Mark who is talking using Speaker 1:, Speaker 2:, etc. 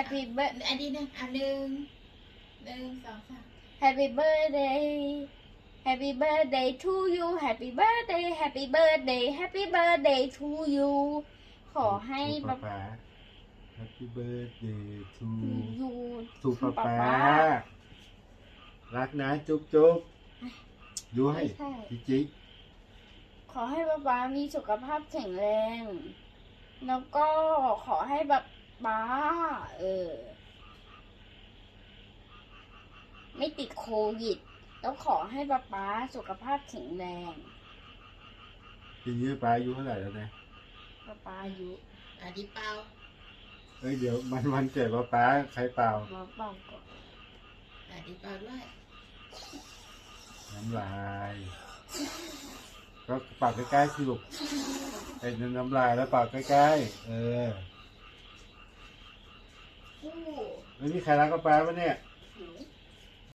Speaker 1: Happy birthday
Speaker 2: อันนี้นะหนึ่งสองสาม
Speaker 1: Happy birthday Happy birthday to you Happy birthday Happy birthday Happy birthday to you ขอให้
Speaker 3: ป๊าป๊า Happy birthday to
Speaker 1: you
Speaker 3: สุป๊าป๊ารักนะจุ๊บจุ๊บยูให้จิ๊ก
Speaker 1: ขอให้ป๊ามีสุขภาพแข็งแรง แล้วก็ขอให้ป๊าไม่ติดโควิด แล้วขอให้ป๊าสุขภาพแข็งแรง
Speaker 3: ทีนี้ป๊าอายุเท่าไหร่แล้วนะ
Speaker 1: ป๊าอายุ
Speaker 2: อันนี้เปล่า
Speaker 3: เอ้ยเดี๋ยวมันเกิดป๊าใครเปล่า
Speaker 1: มาเป่าก่อน
Speaker 2: อันนี้เปล่าด้วย
Speaker 3: น้ำลาย ก็ปากใกล้ๆสิลูกไอ้น้ำลายแล้วปากใกล้ๆ
Speaker 2: อู้
Speaker 3: ไม่มีใครรักกับป๊าปะเนี่ย